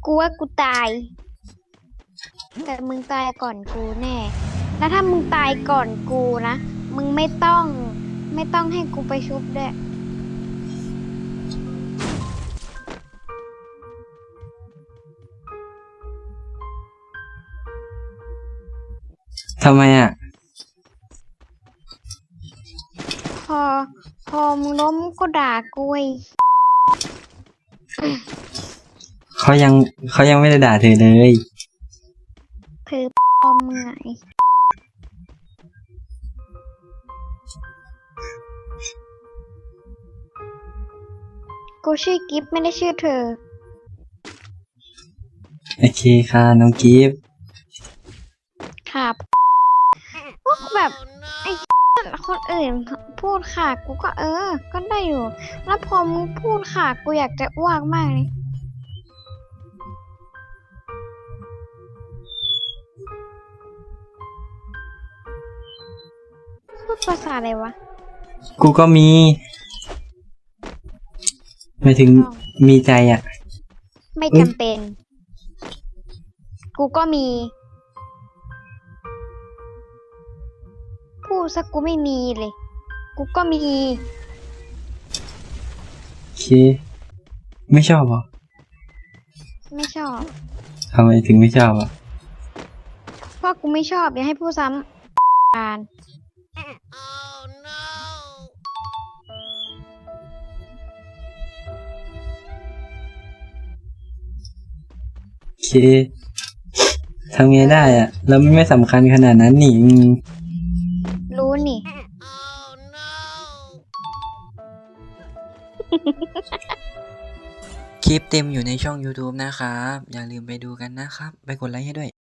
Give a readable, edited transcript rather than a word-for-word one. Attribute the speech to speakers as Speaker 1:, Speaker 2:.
Speaker 1: กูว่ากูตายแต่มึงตายก่อนกูแน่ แล้วถ้ามึงตายก่อนกูนะ มึงไม่ต้องให้กูไปชุบด้วย
Speaker 2: ทำไมอ่ะ
Speaker 1: พอพอมึงล้มก็ด่ากูไอ้
Speaker 2: เขายังไม่ได้ด่าเธอเลย
Speaker 1: เธอปอมมึงไงกูชื่อกิฟไม่ได้ชื่อเธอ
Speaker 2: โอเคค่ะน้องกิฟต์
Speaker 1: ค่ะพวกแบบไอ้คนอื่นพูดค่ะกูก็ก็ได้อยู่ แล้วพอมึงพูดค่ะกูอยากจะอ้วกมากเลยพูดภาษาอะไรวะ
Speaker 2: กูก็มีหมายถึงมีใจอ่ะ
Speaker 1: ไม่จำเป็น กูก็มี พูดซะกูไม่มีเลย กูก็มี
Speaker 2: โอเค ไม่ชอบเหรอ
Speaker 1: ไม่ชอบ
Speaker 2: ทำไมถึงไม่ชอบอ่ะ
Speaker 1: เพราะกูไม่ชอบอย่าให้พูดซ้ำการ
Speaker 2: โอเคทำไงได้อ่ะ เราไม่สำคัญขนาดนั้นนี่
Speaker 1: รู้นี่
Speaker 2: คลิปเต็มอยู่ในช่อง YouTube นะครับ อย่าลืมไปดูกันนะครับ ไปกดไลค์ให้ด้วย